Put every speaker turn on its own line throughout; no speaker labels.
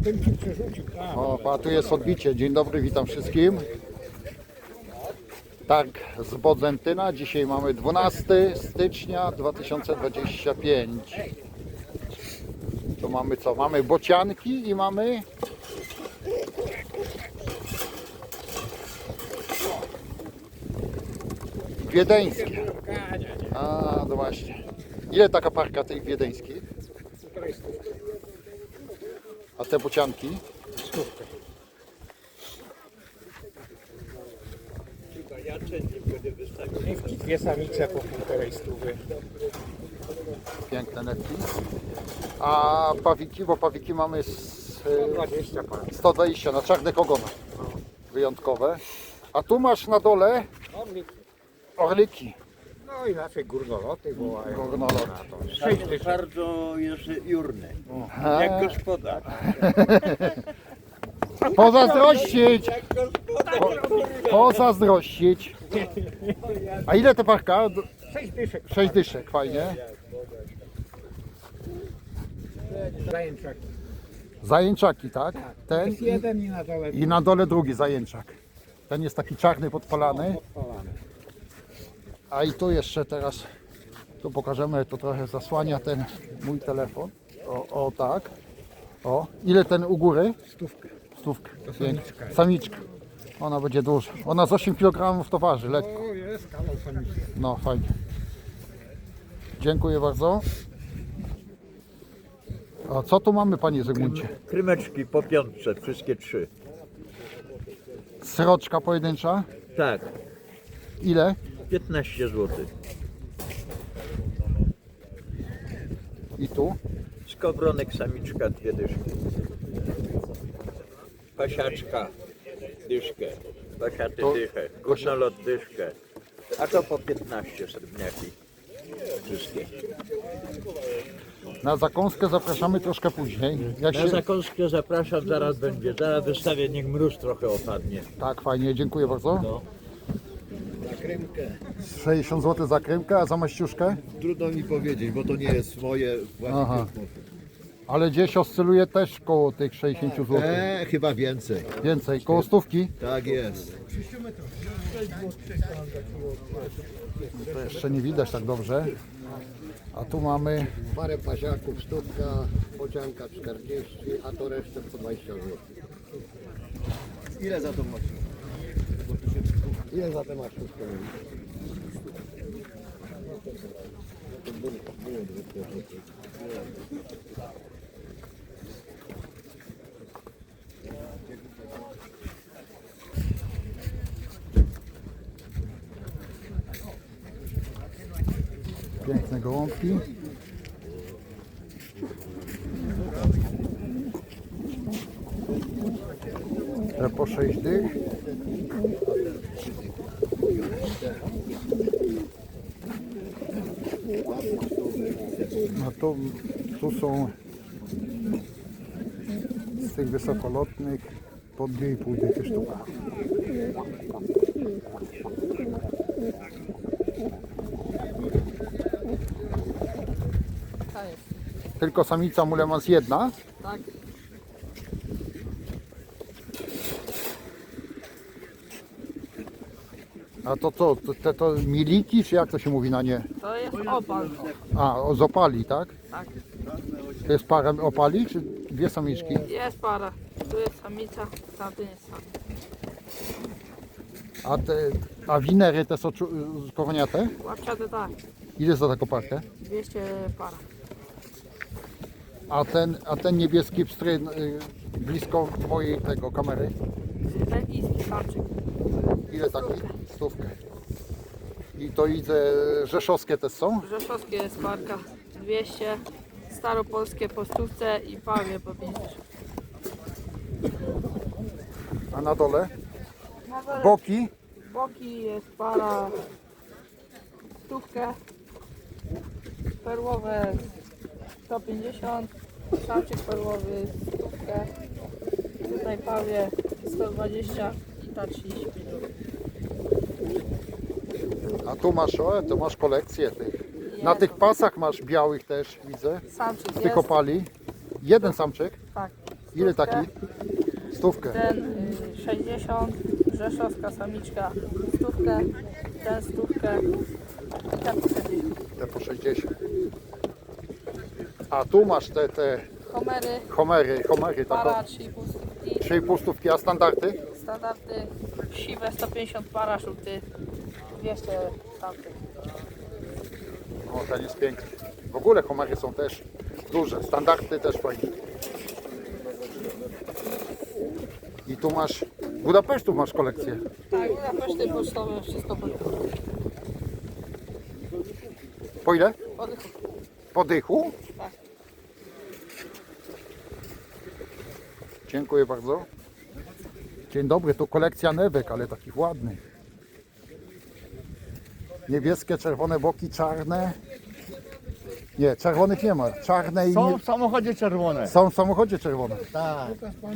bym ci przerzucił.
O, a tu jest odbicie. Dzień dobry, witam wszystkim. Tak, z Bodzentyna. Dzisiaj mamy 12 stycznia 2025. Tu mamy co? Mamy bocianki i mamy wiedeńskie. A, no właśnie. Ile taka parka tych wiedeńskich? A te bocianki?
Niewki, dwie samice po 1,5 stówy.
Piękne netki. A pawiki, bo pawiki mamy
20 par.
120 na czarnych ogonach. Wyjątkowe. A tu masz na dole orliki.
No inaczej górnoloty wołają.
Górnoloty.
Na to. 6 tysięcy.
Bardzo jest jurny,
A,
jak gospodarz.
Pozazdrościć! Pozazdrościć. A ile te parka?
6 dyszek.
6 dyszek, fajnie.
Zajęczak.
Zajęczaki, tak? Ten
Jest jeden i na dole
i na dole drugi zajęczak. Ten jest taki czarny, podpalany.
podpalany.
A i tu jeszcze teraz, tu pokażemy, to trochę zasłania ten mój telefon. O tak. O, ile ten u góry?
Stówkę.
Stówkę.
samiczka.
Samiczka. Ona będzie duża. Ona z 8 kg to waży, lekko.
O, jest kawał samiczki.
No fajnie. Dziękuję bardzo. A co tu mamy, panie Zygmuncie?
Krymeczki po piątce, wszystkie trzy.
Sroczka pojedyncza?
Tak,
Ile?
15 zł.
I tu?
Skowronek samiczka, 2 dyszki. Pasiaczka, dyszkę. Pasiaty
To-
dychę. Górnolot dyszkę. A to po 15 srebrniaki. Wszystkie.
Na zakąskę zapraszamy troszkę później. Jak
Na
się...
zakąskę zapraszam, zaraz będzie. Zaraz wystawię, niech mróz trochę opadnie.
Tak, fajnie, dziękuję bardzo.
No.
60 zł za krymkę, a za maściuszkę?
Trudno mi powiedzieć, bo to nie jest moje
Aha.
właśnie.
Ale gdzieś oscyluje też koło tych 60 zł.
Chyba więcej.
Więcej, koło stówki.
Tak jest.
To jeszcze nie widać tak dobrze. A tu mamy
Parę pasiaków, sztuka, bocianka 40, a to resztę po 20 zł.
Ile za to masz?
Ile za tę masz sztukę?
piękne gołąbki. Te po 6 dych. No tu są z tych wysokolotnych po 2,5 dychy sztuka. Tylko samica mulemans jedna.
Tak.
A to co? To miliki, czy jak to się mówi na nie?
To jest opal.
A, z opali, tak?
Tak.
To jest para opali, czy dwie samiczki?
Jest para. Tu jest samica, tamten jest sam.
A winery te są koroniate?
Łapciate tak.
Ile za taką parkę?
200 para.
A ten niebieski pstry blisko twojej tego kamery?
Belgijski samczyk.
Ile taki? Stówkę. I to widzę, rzeszowskie też są?
Rzeszowskie jest parka. 200. Staropolskie po stówce i pawie po 50.
A na dole? Boki?
Boki jest para. Stówkę. Perłowe 150. Samczyk perłowy stówkę. Tutaj pawie 120 i ta 35 zł.
A tu masz kolekcję tych. Na tych pasach masz białych też, widzę.
Samczyk
Z tych
jest.
opali. Jeden samczyk.
Tak.
Ile taki? Stówkę.
Ten 60, rzeszowska samiczka stówkę, ten stówkę i ten po 60.
Te po 60. A tu masz te
Homery,
homery
para
taką
3,5 stówki,
3,5 stówki, a standardy?
standardy siwe 150 para, żółty 200 tamtych.
O, ten jest piękny. W ogóle homery są też duże, standardy też fajne. I tu masz, Budapesztów masz kolekcję.
Tak, Budapeszty pocztowe, wszystko po
Po ile?
oddychu.
Po dychu?
Tak.
Dziękuję bardzo. Dzień dobry, tu kolekcja newek, ale takich ładnych. Niebieskie, czerwone boki, czarne. Nie, czerwonych nie ma. Czarne i
Są w samochodzie czerwone.
są w samochodzie czerwone.
Tak.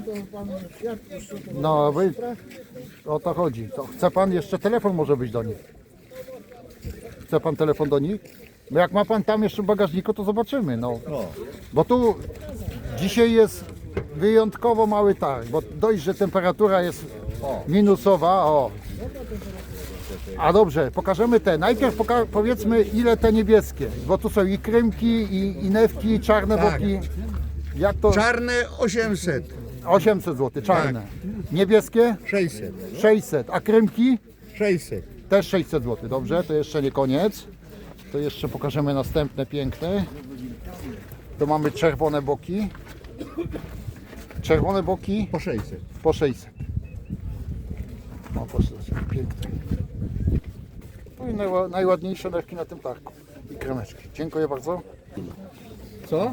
No, wy... o to chodzi. To chce pan jeszcze telefon może być do nich? Chce pan telefon do nich? No jak ma pan tam jeszcze w bagażniku, to zobaczymy. No. Bo tu dzisiaj jest wyjątkowo mały targ, bo dość, że temperatura jest minusowa. O. A dobrze, pokażemy te. Najpierw powiedzmy ile te niebieskie, bo tu są i krymki, i newki, i czarne boki. Jak to?
Czarne 800.
800 zł, czarne. Niebieskie
600.
600, a krymki
600.
też 600 zł. Dobrze, to jeszcze nie koniec. To jeszcze pokażemy następne piękne. Tu mamy czerwone boki. Czerwone boki
Po 600.
po 600. O, proszę, piękne. No i najładniejsze newki na tym targu. I kremeczki. Dziękuję bardzo.
Co?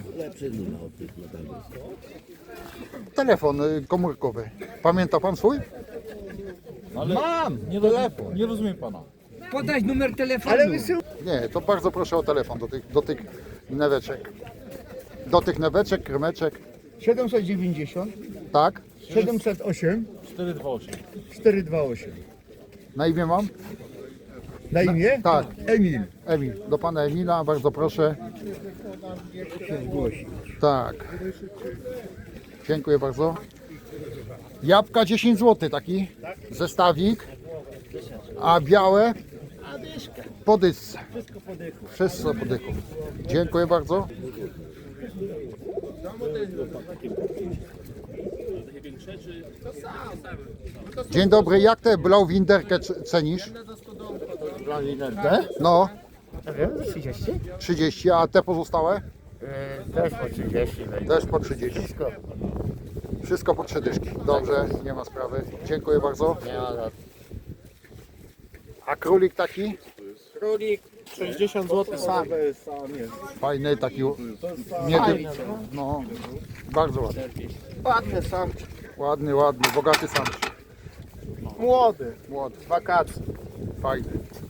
Telefon komórkowy. Pamięta pan swój?
Mam! Nie telefon.
Nie rozumiem pana.
Podać numer telefonu. Ale wysył.
Nie, to bardzo proszę o telefon do tych neweczek. Do tych neweczek, kremeczek.
790
Tak?
708
428.
428.
Na imię mam?
Na imię?
Tak.
Emil.
Emil. Do pana Emila, bardzo proszę. Tak. Dziękuję bardzo. Jabłka 10 zł taki zestawik. A białe? Po dysce. Wszystko po dychu. Dziękuję bardzo. Dzień dobry, jak tę blauwinderkę cenisz? No,
30?
30, a te pozostałe?
Też po 30.
Też po 30. Wszystko po 3 dyszki. Dobrze, nie ma sprawy. Dziękuję bardzo. A królik taki?
Królik 60 zł sam.
Fajny, taki. No, bardzo ładny.
Ładny sam.
Ładny, bogaty sam.
Młody.
Młody,
Wakacje.
fajny.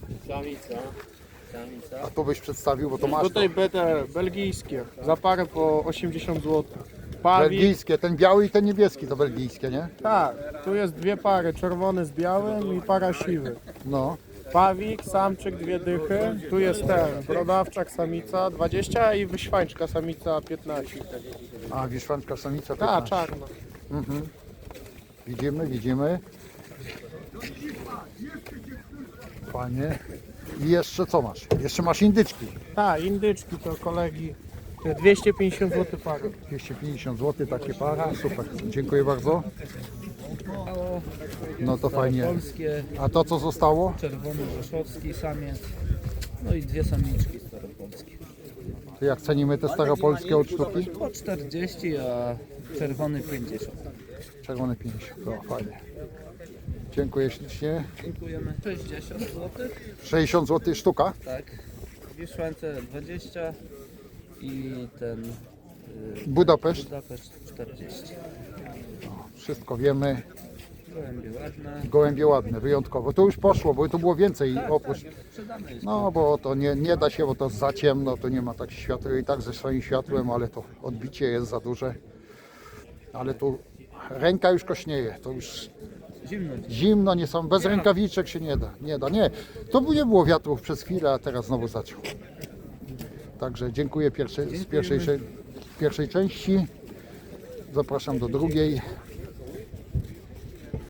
A tu byś przedstawił, bo to masz.
Tutaj
To.
będę belgijskie. Za parę po 80 zł. Pawik.
Belgijskie, ten biały i ten niebieski to belgijskie, nie?
Tak, tu jest dwie pary. Czerwony z białym i para siwy.
No,
Pawik, samczyk, dwie dychy. Tu jest ten, brodawczak, samica 20 i wyśwańczka, samica 15.
a wiszwanczka samica
Tak,
15.
czarna.
Widzimy. Fajnie. I jeszcze co masz? Jeszcze masz indyczki.
Tak, indyczki to kolegi. 250 zł parę.
250 zł takie para, super. Dziękuję bardzo. No to fajnie.
Polskie,
A to co zostało?
czerwony rzeszowski samiec. No i dwie samiczki staropolskie.
To jak cenimy te staropolskie od sztuki?
Po 40, a czerwony 50.
Czerwone 50. To fajnie. Dziękuję ślicznie.
Dziękujemy. 60 zł.
60 zł sztuka.
Tak. Wiszłance 20 i ten
Budapeszt.
Budapeszt 40.
Wszystko wiemy.
Gołębie ładne.
Gołębie ładne, wyjątkowo. To już poszło, bo tu było więcej oprócz.
Sprzedane jest.
No bo to nie da się, bo to za ciemno, to nie ma tak światła i tak ze swoim światłem, ale to odbicie jest za duże. Ale tu ręka już kośnieje, to już
Zimno.
zimno, nie są, bez rękawiczek się nie da. Nie. To nie było wiatrów przez chwilę, a teraz znowu zaczął. Także dziękuję z pierwszej części. Zapraszam do drugiej.